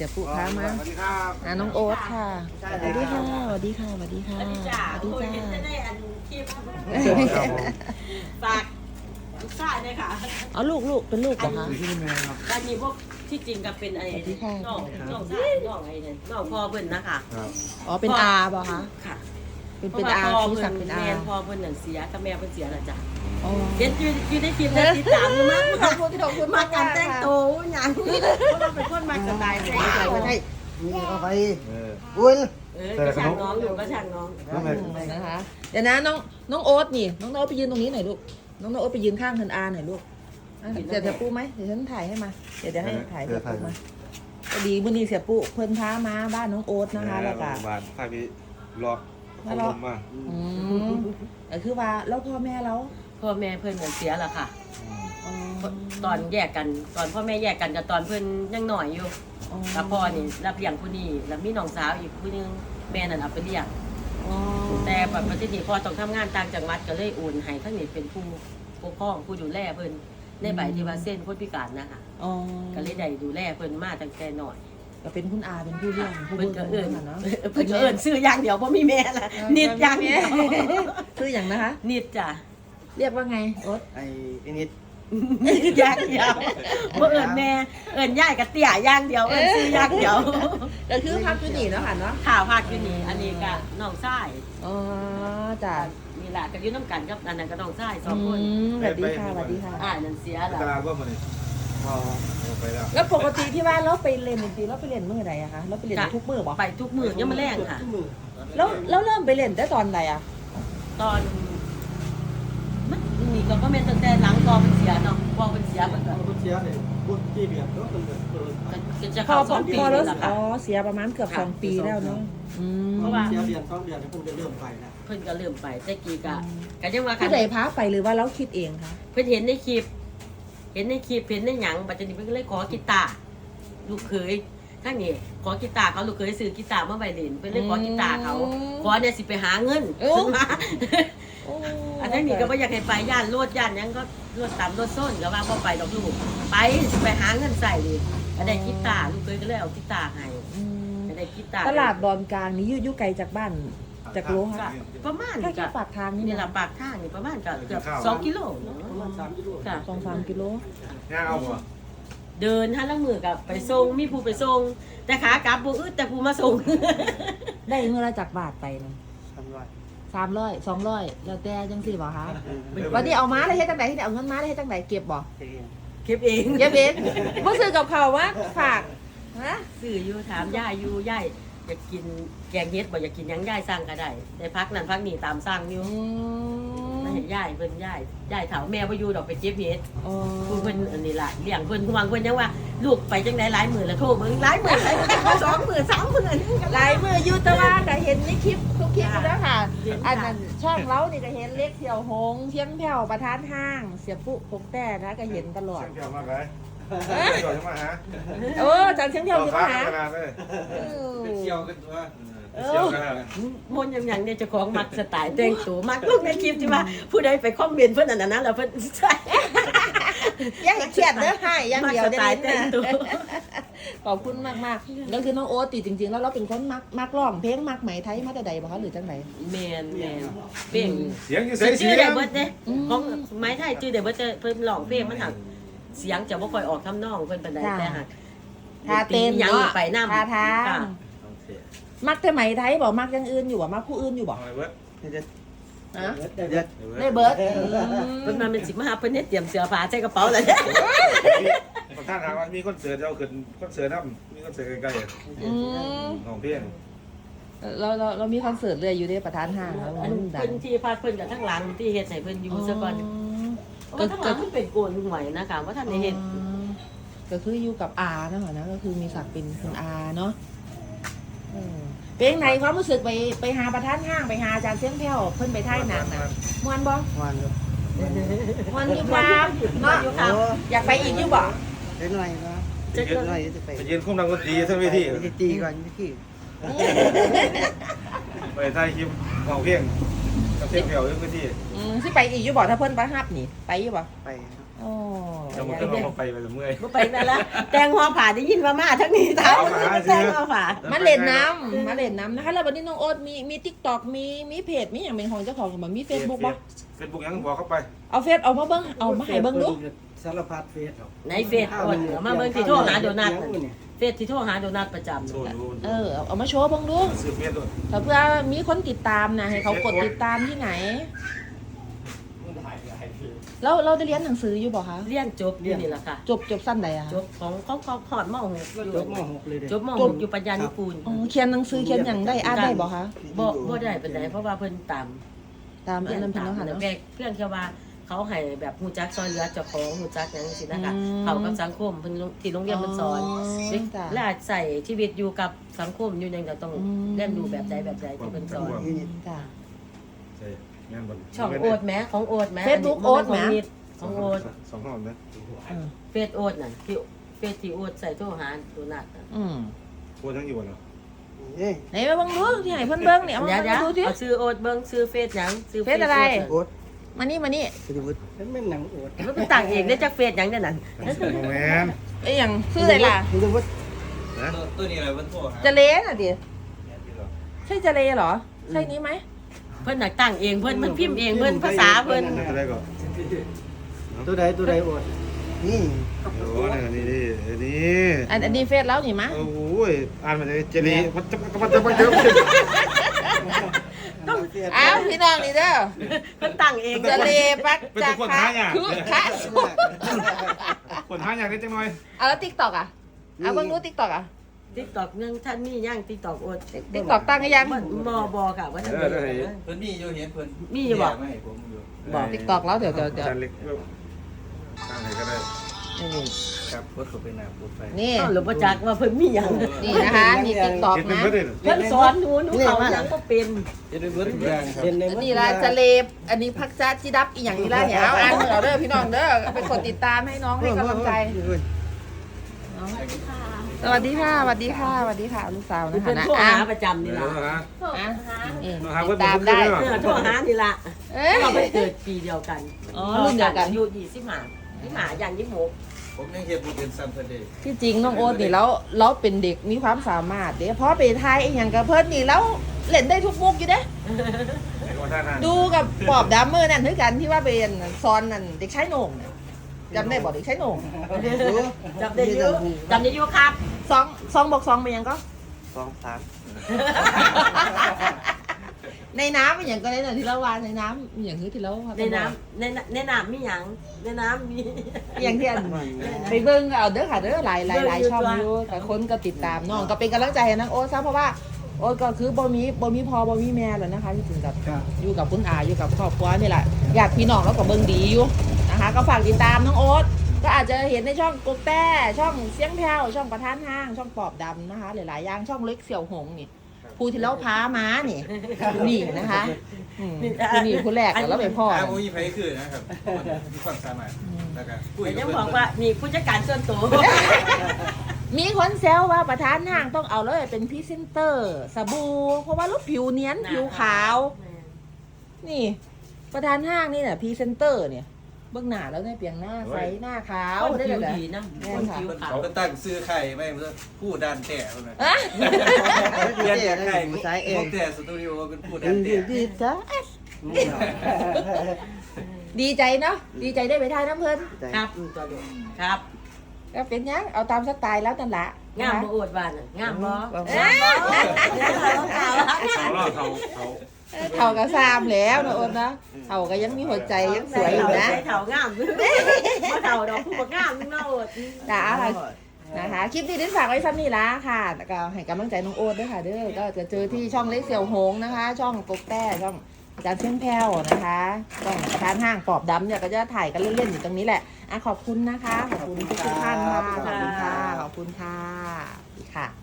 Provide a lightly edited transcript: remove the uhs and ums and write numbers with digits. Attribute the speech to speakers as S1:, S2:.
S1: เสียปุ๊พามาน้องโอ๊ตค่ะสวัสดีค่ะสวัสดีค่ะสวัสดีค่ะ
S2: สวัสดีจ้า
S1: สวัสดี
S2: โอ้ย
S1: จ้า
S2: เห็นจะได้อันคลิปฝากลูกชายเลยค่ะ
S1: เอาลูกเป็นลูกเหรอคะ
S2: ตอนนี้พวกที่จริงก็เป็นไอ้น้องชายน้องไอ้เนี่ยน้องพ่อเพิ่นนะคะ
S1: อ๋อเป็นอาบ่คะ
S2: ค่ะ
S1: เป็นอาชูศักดิ์เป็นอา
S2: แม่พ่อเพิ่นนั่นเสียกับแม่เพิ่นเสียแล้วจ้ะ
S1: อ๋อ
S2: เห็นอยู่ในคลิปแล้วติดตามมาก
S1: ขอบคุณ
S2: มาการแต่งตัวอย่างเพราะว่าเป็นคนมาสไตล์แต่งตัว
S3: นี่เข้าไปอุ้ย
S2: ก็ช่างน้องอยู่ก็ช่างน้อง
S1: นะคะเดี๋ยวนะน้องโอ๊ตนี่น้องโอ๊ตไปยืนตรงนี้หน่อยลูกน้องโอ๊ตไปยืนข้างเธออาหน่อยลูกเดี๋ยวเสียปุ๊ไหมเดี๋ยวฉันถ่ายให้มาเดี๋ยวให้ถ่ายเสียปุ๊มาพอดีมื้อนี้เสียปุ๊เพิ่นพามาบ้านน้องโอ๊ตนะคะแล้วก็
S4: บ้านพาไปรอเขาลมมา
S1: ก็คือว่าแล้วพ่อแม่แล้ว
S2: พ่อแม่เพิ่นเสียแล้วค่ะ ตอนแยกกันตอนพ่อแม่แยกกันกับตอนเพิ่นยังหน่อยอยู่แล้วพ่อนี่รับเลี้ยงผู้นี้แล้วมีน้องสาวอีกผู้นึงแม่นั่นเอาไปเลี้ยงแต่แบบประเทศนี้พ่อต้องทำงานต่างจังหวัดก็เลยโอนให้ทั้งนี้เป็นผู้ปกครองผู้ดูแลเพิ่นในใบที่ว่าเส้นคนพิการนะคะก็เลยได้ดูแลเพิ่นมาตั้งแต่น้อย
S1: ก็เป็นคุณอาเป็นผู้เลี้ยงผู้
S2: เพิ่นก็เอิ้น
S1: เนาะ
S2: เพิ่นก็เอิ้นชื่ออย่างเดียวบ่มีแม่ละนิดอย่างเดียว
S1: คืออย่างนะคะ
S2: นิดจ้ะ
S1: เรียกว่าไงโอ๊ต
S3: ไอ้นิด
S2: อย่างเดียวบ่เอิ้นแม่เอิ้นยายกับเตี้ยอย่างเดียวเอิ้นชื่ออย่างเดียว
S1: ก็คือพักอยู่นี่เนาะค่ะเนาะ
S2: ข่าวพาดอยู่นี่อันนี้ก็น้องชาย
S1: อ๋อจ้ะ
S2: นี่แหละก็อยู่น้ำกันกับอันนั้นก็น้องชายสองคน
S1: สวัสดีค่ะสวัสดีค่ะ
S2: นั่นเสีย
S4: ต
S2: แล้ว
S4: ลาดว่ามันนี่พอไปแล้ว
S1: แล้วปกติที่ว่าเราไปเรียนดนตรีเราไปเรียนมื้อใดอะคะเราไปเรียนทุกมื้อบ่
S2: ไปทุกมื้อยังมาแรงค่ะ
S1: แล้วเริ่มไปเรียนได้ตอนไหนอะ
S2: ตอนมันนี่ก็แม่นตั้งแต่หลังกองมันเสียเนาะกองมันเสียมันก็
S3: คนเชียร์เนี่ยพูดที่เบียดก็เป็นแบบเปิด
S2: จะ
S1: พอ
S2: เข้า2 ปี
S1: พอ
S2: แล้
S1: แล้ว ว
S2: ค่ะ
S1: อ๋อเสียประมาณเกือบ2 ปีแล้วเนาะ
S2: เพราะว่า
S3: เชียร์เดือน2 เดือนเพิ่งจะเริ่มไปนะ
S2: เพิ่นก็เริ่มไปแต่กี้ก็ยังว่ากั
S1: ผู้ใดพาไปหรือว่าเราคิดเองคะ
S2: เพิ่นเห็นในคลิปเห็นในหยังบัดนี้เพิ่นก็เลยขอกีตาร์ลูกเขยทั้งนี้ขอกีตาร์เขาลูกเขยซื้อกีตาร์มาไว้เล่นเพิ่นเลยขอกีตาร์เขาขอเนี่ยสิไปหาเงินขึ้นมา อันนั้นนี่ก็บ่อยากให้ไปย่านโลดย่านหยังก็โลดตามโลดส้นก็ว่าบ่ไปดอกลูกไปสิไปหาเงินใส่ดิก็ได้กีตาร์ลูกเคยก็เลยเอากีตาร์ให้ก็ได้กีตาร์
S1: ตลาดดอนกลางนี่อยู่ไกลจากบ้านจากโล
S2: ก็
S1: ค่ะ
S2: ประมาณ
S1: แค่ปากทางนี่
S2: นี่ล่ะปากทางนี่ประมาณก็เกือบ2 กิโล
S3: ประมาณ3 กิโล
S2: ค่ะ
S1: 2-3 กิโล
S4: ย่างเอาบ่
S2: เดินหาลังมือกับไปส่งมีผู้ไปส่งแต่ขากลับบ่อึดแต่ผู้มาส่ง
S1: ได้เมื่อไรจากบาทไปนะ
S3: 300
S1: 300 200แล้วแต่จังสี่บ่คะวันนี้เอาม้าได้เฮ็ดจังไดที่เอาเงินม้าได้เฮ็ดจังไดเก็บบ่
S2: เก็บเอง
S1: เก็บเองบ่ซื้อกับเขาวว่าฝากฮะ
S2: ซื้ออยู่ถามย่าอยู่ย่าอยากกินแกงเฮ็ดบ่อยากกินหยังย่ายสั่งก็ได้ได้พักนั้นพักนี้ตามสั่งอยู่ มาเห็นยายเพิ่นยายถามแม่บ่อยู่ดอกไปเจ็บเฮ็ด
S1: อ๋อ
S2: ผู้เพิ่นอันนี้ล่ะเลี้ยงเพิ่นห่วงเพิ่นยังว่าลูกไปจังได๋หลายมื้อแล้วโทรเบิ่งหลายมื้อหลาย2 มื้อ3 มื้อนึงก็
S1: หลายมืออยู่แต่ว่าก็เห็นในคลิปทุกคลิปแล้วค่ะ อันนั้นช่องเรานี่ก็เห็นเล็กเที่ยวหงเพียงแผ่วประธานห้าง เสียปุ๊พกแต่นะก็เห็นตลอด
S4: เชี่ยวมากเลยเชี่ยวมาฮะ
S1: โอ้จังเชียงเที่ยว
S4: เอา
S1: ใช่ไหม
S4: ขา
S1: คะ
S4: ขนาดเลย
S3: เป็นเชียวกันว่า
S4: เชี่ยวขนาด
S2: มนยังเนี่ยเจ้าของมักสไตล์แต่งตัวมักลูกในคลิปที่ว่าผู้ใดไปคอมเมนต์เพิ่นอันนั้นแล้วเพิ่นใส่
S1: ยังเครียดเด้อให้ยัง
S2: มัก
S1: เดียว
S2: ส
S1: ได้
S2: ไตล์แต่งตัว
S1: ขอบคุณมากๆแล้วคือน้องโอ๊ตติจริงๆแล้วเราเป็นคนมักร้องเพลงมักไหมไทยมาแต่ใดบ่คะหรือจังได
S2: แม่นเป้ง
S4: เสียงอยู่ใส่เสี
S2: ชื่อย ได้
S4: ง
S2: เบิดเด้ของไม้ไทยชื่อได้เบิดเพิ่นร้องเพลงมันหักเสียงจะบ่ค่อยออกทำนองเพิ่นปานใดแต่หัก
S1: ท่าเต้น
S2: ยัง
S1: เนาะ
S2: ไปนำ
S1: ท่าทางมักแต่ไหมไทยบ่มักอยังอื่นอยู่บ่มักผู้อื่นอยู่บ่
S4: เอาไว้เว้ย
S1: ฮะ
S3: เด็ด
S1: ได้เบิร์ด
S2: เพิ่นมาเป็นสิมาหาเพิ่นเฮ็ดเตรียมเสื้อผ้าใส่กระเป๋าแล้ว
S4: ประธานถามว่ามีคอนเสิร์ตจะเอาขึ้นคอนเสิร์ตน้ำมีคอนเสิร์ตใกล้
S1: อืม
S4: ๆของเพียง
S1: เรามีคอนเสิร์ตเลยอยู่ในประธานห้างแล้ว
S2: อัน
S1: ดั
S2: เพิ่นที่พาเพิ่นกับทั้งหลังที่เฮ็ดให้เพิ่นอยู่ซะก่อนก็ทั้งหลังมันเป็นโกนหวยนะคะว่าท่านได้เฮ็ด
S1: ก็คืออยู่กับอาเนาะนะก็คือมีศักดิ์เป็นคุณอาเนาะเป็นไงความรู้สึกไปหาประธานห้างไปหาอาจารย์เสียงแผ่วเพิ่นไปท่ายหนังนะมวนบ่
S3: วันครับ
S1: มวนอยู่ครับเนาะอยากไปอีกอยู่บ่
S3: เล็กหน่อยนะเล็กหน่อยจะไป
S4: ไปยืนคุ้มดังดนตรีทั้งเวที
S3: จะตีก่อนที่
S4: ไปถ่ายคลิปของเพียงกับเสียงแผ่วทั้งเวที
S1: สิไปอีกอยู่บ่ถ้าเพิ่นประหับนี่ไปอยู่บ่
S3: ไป
S1: อโอ้
S4: จะมาขึ้นเราไปเมื่อย
S2: บ่ไปนั่นละแต่งหัวผ่าได้ยินว่ามาทั้งนี้ท้ายแต่งหัวผ่า
S1: มาเล่นน้ำนะคะแล้ววันนี้น้องโอ๊ตมี TikTok มีเพจมีอย่างเป็นของเจ้าของมันมี Facebook บ่
S4: เฟซบุ๊กยังบอกเข้าไป
S1: เอาเฟซเอามาเบิ่งเอามาให้เบิ่งดู
S3: สารพัดเฟสครับ
S2: ในเฟซโอดมาเบิ่งที่โทรหาโดนัทเฟซที่โทรหาโดนัทประจำ
S4: โชว์ดู
S1: เอามาโชว์เบิ่งดู
S4: ซื้อเฟซด้วย
S1: ถ้าเพื่อมีคนติดตามนะให้เขากดติดตามที่ไหนแล้วเราได้เรียนหนังสืออยู่บ่คะ
S2: เรียนจบอยู่นี่ล่ะค่ะ
S1: จบสั้นใดอะ
S2: จบของขอดม
S3: จบม .6 เลยเด้
S2: จบม .6 อยู่ปัญญานุกูล
S1: อ๋อเขียนหนังสือเขียนอย่างได้อ่านได้บ่คะ
S2: บ่ได้ปานใดเพราะว่าเพิ่นตาม
S1: ตามอันนั้นเพิ่นเนาะค่ะ
S2: เนาะ
S1: เนาะ
S2: เพื่อนแค่ว่าเขาให้แบบฮู้จักซอยเหลือเจ้าของฮู้จักหยังจังซี่นะคะ
S1: อืม
S2: เขากับสังคมเพิ่นที่โรงเรียนเพิ่นสอน
S1: จ้ะ
S2: และใส่ชีวิตอยู่กับสังคมอยู่ยังจะต้อง
S1: อืม
S2: เรียนรู้แบบใดที่เพิ่นสอน
S1: จ้ะ
S4: ใช่งานบน
S2: ช่องโอดแหมของโอดแหม
S1: Facebook โอ๊ตแหม
S2: ของโอด
S4: สองห้องนะ
S2: เฟซโอดน่ะที่เฟซที่โอดใส่โทรหาโดนัทน่ะ
S1: อืม
S4: โคตรยังอยู่เนาะ
S3: เอ้ย
S1: ไหนมาเบิ่งดูที่ให้เพิ่นเบิ่งเนี่ยเอา
S2: เดี๋ยว
S1: มาดูสิ
S2: เอาซื้อโอดเบิ่งซื้อเฟซหยังซื้อ
S1: เฟซอะไร
S3: โอ๊ต
S1: มานี่
S3: สรุปมันเป็นหนังโอ๊ต
S2: มันเป็นต่างเองได้จักเฟซหยังเด้นั่น
S4: โมแมน
S1: ไอ้หยังชื่ออะไรล่ะ
S3: สรุป
S4: นะ
S3: ตัวนี้อะไรมันโทรหา
S1: จะเลน่ะดิใช่จะเลเหรอใช่นี้ไหม
S2: เพิ่นน่ะตั้งเองเพิ่นมันพิมพ์เองเพิ่นภาษาเพิ่น
S4: อะไรก่อน
S3: ตัวใดโอ๊ตนี่
S4: โอ้นี่
S1: อันนี้เฟซแล้วนี่มะ
S4: โอ้ยอ่านมาเลยเจลีมันจะ
S1: อ้าวพี่น้องนี่เด้อ
S2: เพิ่นตั้งเอง
S1: จะเลปัก
S4: เป็น
S1: จัก
S4: คน
S1: คะ
S4: ท้าอย่าง
S1: คือคะ
S4: คนท้าอย่างนี้จังหน่อย
S1: เอาแล้ว TikTok อ่ะเอาเบิ่งดู TikTok อ่ะ
S2: TikTok ยังท่านมียัง TikTok โอด
S1: TikTok ตั้งหรือยัง
S2: บ่ค่ะว่าท่านมี
S5: เพิ่นมีอยู่เห็นเพิ่น
S2: มีอยู่บ่
S5: ไม่ให้ผมอยู่
S2: บอก
S1: TikTok แล้วเดี๋ยว
S4: จานเล็กตั้งไหนก็ได้
S1: นี่
S5: ครับรถเขาไปหน้าพูดไป
S1: นี่
S2: เอ้าหรือบ่จักว่าเพิ่นมีหยัง
S1: นี่นะคะนี่ TikTok
S4: เห็นเป็น
S1: นะ
S4: เพื่อนเลย
S2: เพิ่นสอนหนูเขาหยังบ่เป็น
S5: เห็นเป็นเบิร์ดทุกอย่างครับ
S3: เป็นใน
S1: อันนี้ละจะเลบอันนี้พักจ้าจิดับอีหยังนี่ละเนี่ยเอาอ่านเหรอเด้อพี่น้องเด้อเป็นคนติดตามให้น้องให้กำลังใจสวัสดีค่ะสวัสดีค่ะสวัสดีค่ะลูกสาวนะ
S2: เพิ่
S1: คะ
S2: น
S1: นะ
S2: โทร
S1: อ่ะ
S2: หาประจำนี่ล่ะ
S1: อ่ะนี่
S4: หา
S1: ติ
S4: เพื่อ
S1: ด
S4: น
S1: ตามได้
S2: โทรหานี่ล่ะ
S1: เอ้ย
S2: เราไปเกิดปีเดียวกัน
S1: อ๋อรุ่นเดียวกัน
S2: อายุ25อย่าง26
S5: ผมยังเห็นบุเป็นซัมเปอร์เดย์
S1: ที่จริงน้องโอ๊ตนี่แล้วเราเป็นเด็กมีความสามารถเด้เพราะไปทายไอ้หยังกับเพิ่นนี่แล้วเล่นได้ทุกมุกอยู่เด้ ดูกับปอบดัมเมอร์นั่นคือกันที่ว่าเป็นซอนนั่นเด็กชายโหน่งน่ะจำได้บอกเด็กชายโหน่ง
S2: จำได้อยู่ครับ
S1: สองบอกสองเป็นหยังก็ ในน้ำเป็นอย่างก็ได้น่ะที่เราวานในน้ำอย่างที่เรา
S2: ในน้ำในน้ำมีหยังในน้ำมี
S1: อย่างที่อันไปเบิ้งเอาเด้อค่ะเด้อหลายช่องอยู่แต่คนก็ติดตามน้องก็เป็นกำลังใจให้น้องโอ๊ตซะเพราะว่าโอ๊ตก็คือบ่มีพ่อบ่มีแม่แล้วนะคะที่ถึงกับอยู่กับคุณอาอยู่กับครอบครัวนี่แหละอยากพี่น้องแล้วก็เบิ้งดีอยู่นะคะก็ฝากติดตามน้องโอ๊ตก็อาจจะเห็นในช่องกกแต้ช่องเสียงแผ่วช่องประธานห้างช่องปอบดำนะคะหลายๆอย่างช่องเล็กเสี่ยวหงนี่ผู้ที่เล่าพาม้านี่นี่นะคะนี่ผู้แรกแล้วไปพ่อ
S5: โอ้ยไผคือนะครับมีความสามารถแล้วก็คุย
S2: แต่
S5: กับ
S2: ยัง
S5: เพิ่น
S2: บอกว่ามีผู้จัดการส่วนตัว
S1: มีคนแซวว่าประธานห้างต้องเอาเลยเป็นพรีเซนเตอร์สบู่เพราะว่ารูปผิวเนียนผิวขาว นี่ ประธานห้างนี่แหละพรีเซนเตอร์เนี่ยเบื้องหน้าแล้วเนี่ยเปลี่ยนหน้าใสหน้าขาว
S2: คน
S1: ได้
S2: ผิว
S1: เลย
S2: ดีนะคนผิวขาว
S5: เขาตั้งซื้อไข่ไม่เพื่อผู้ดันแต่เพิ่นน่ะ
S1: อ่ะ
S5: เปลี่ยนจากไข่
S3: ใช้เอง
S5: พวกแต่สตูดิโอเป็นผู้ดันแต่
S1: ดีจ้ะดีใจเนาะดีใจได้ไปทายน้ำเพลิน
S2: ครับตัวเดียวครับ
S1: ก็เป็นยังเอาตามสไตล์แล้วนั่นแหละ
S2: งามบ่อวดบ้านน่ะงามบ่
S1: เท่ากับซามแล้วนะโอนนะเท่าก็ยังมีหัวใจยังสวยอยู่นะ
S2: เท่างามบ่เท่าดอกผู้บ่งามนึงเนาะอด
S1: จ้านะคะคลิปนี้ดิฉันฝากไว้ซ้ำนี่ละค่ะแล้วก็ให้กำลังใจน้องโอ๊ตด้วยค่ะเด้อก็จะเจอที่ช่องเล็กเสี่ยวหงนะคะ ช่องกกแต้ช่องอาจารย์เชียงแพ้วนะคะช่องประธานห้างปอบดำเนี่ยก็จะถ่ายกันเล่นๆอยู่ตรงนี้แหละขอบคุณนะคะขอบคุณทุกท่านค่ะขอบคุณค่ะขอบคุณค่ะค่ะ